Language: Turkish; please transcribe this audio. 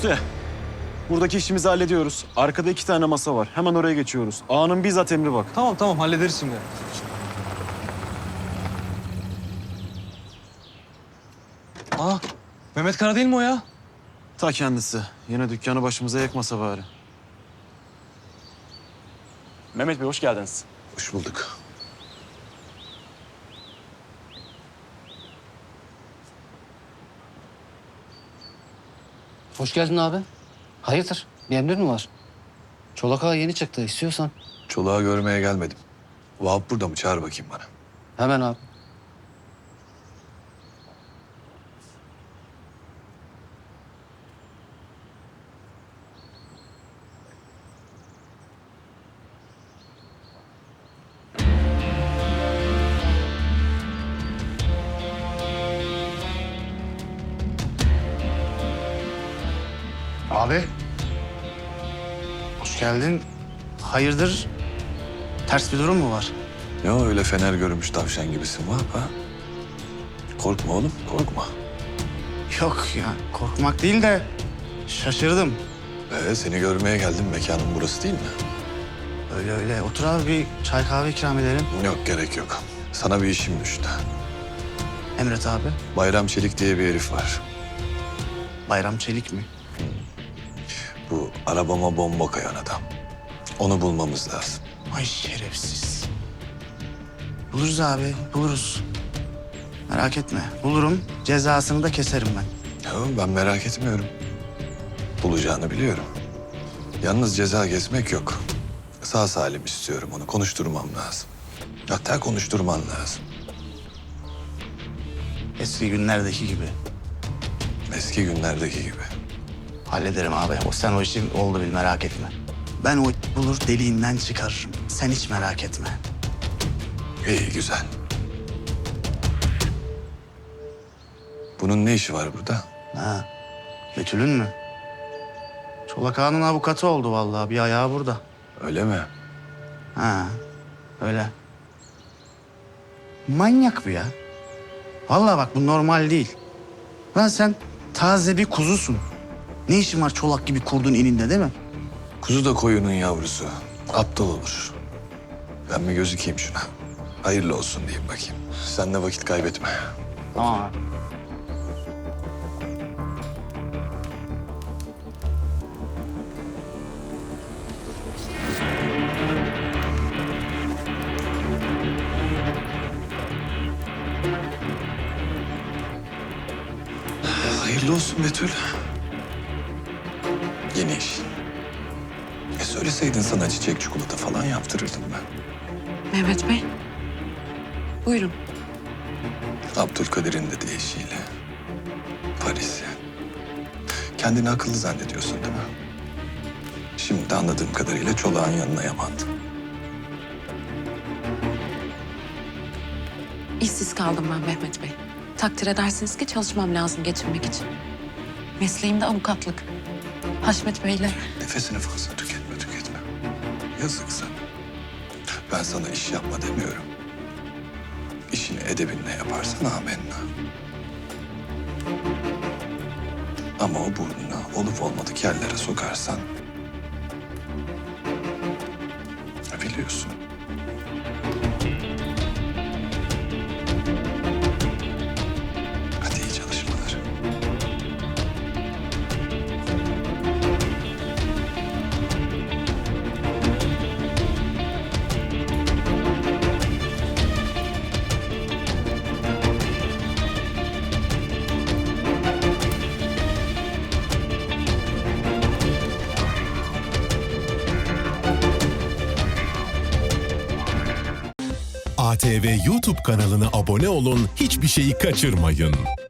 Üste. Buradaki işimizi hallediyoruz. Arkada 2 tane masa var. Hemen oraya geçiyoruz. Ağanın bizzat emri bak. Tamam hallederiz şimdi. Aa, Mehmet Kara değil mi o ya? Ta kendisi. Yine dükkanı başımıza yakmasa bari. Mehmet Bey hoş geldiniz. Hoş bulduk. Hoş geldin abi. Hayırdır? Bir emrin mi var? Çolak Ağa yeni çıktı. İstiyorsan. Çoluğa görmeye gelmedim. Vahap burada mı? Çağır bakayım bana. Hemen abi. Abi. Hoş geldin. Hayırdır? Ters bir durum mu var? Ne o öyle fener görmüş tavşan gibisin Vahap ha? Korkma oğlum, korkma. Yok ya, korkmak değil de şaşırdım. Seni görmeye geldim. Mekanın burası değil mi? Öyle öyle. Otur abi, bir çay kahve ikram edelim. Yok, gerek yok. Sana bir işim düştü. Emret abi. Bayram Çelik diye bir herif var. Bayram Çelik mi? Bu arabama bomba koyan adam. Onu bulmamız lazım. Ay şerefsiz. Buluruz abi, buluruz. Merak etme. Bulurum, cezasını da keserim ben. Ya ben merak etmiyorum. Bulacağını biliyorum. Yalnız ceza kesmek yok. Sağ salim istiyorum onu. Konuşturmam lazım. Hatta konuşturman lazım. Eski günlerdeki gibi. Eski günlerdeki gibi. Hallederim abi. Sen o işin oldu bil, merak etme. Ben o bulur deliğinden çıkarırım. Sen hiç merak etme. İyi, güzel. Bunun ne işi var burada? Ha, Betül'ün mü? Çolak Ağa'nın avukatı oldu vallahi. Bir ayağı burada. Öyle mi? Ha, öyle. Manyak bu ya. Vallahi bak, bu normal değil. Lan sen taze bir kuzusun. Ne işin var çolak gibi kurdun ininde, değil mi? Kuzu da koyunun yavrusu. Aptal olur. Ben bir gözükeyim şuna. Hayırlı olsun diyeyim bakayım. Sen de vakit kaybetme. Tamam abi. Hayırlı olsun Betül. Yeni iş. Söyleseydin sana çiçek çikolata falan yaptırırdım ben. Mehmet Bey. Buyurun. Abdülkadir'in de deyişiyle. Paris'e. Kendini akıllı zannediyorsun değil mi? Şimdi de anladığım kadarıyla çolağın yanına yamandın. İşsiz kaldım ben Mehmet Bey. Takdir edersiniz ki çalışmam lazım geçinmek için. Mesleğim de avukatlık. Haşmet Bey'le Nefesini fazla tüketme. Yazık sana. Ben sana iş yapma demiyorum. İşini edebinle yaparsan amenna. Ama o burnunu olup olmadık yerlere sokarsan... biliyorsun. Hadi iyi çalışmalar. ATV YouTube kanalına abone olun, hiçbir şeyi kaçırmayın.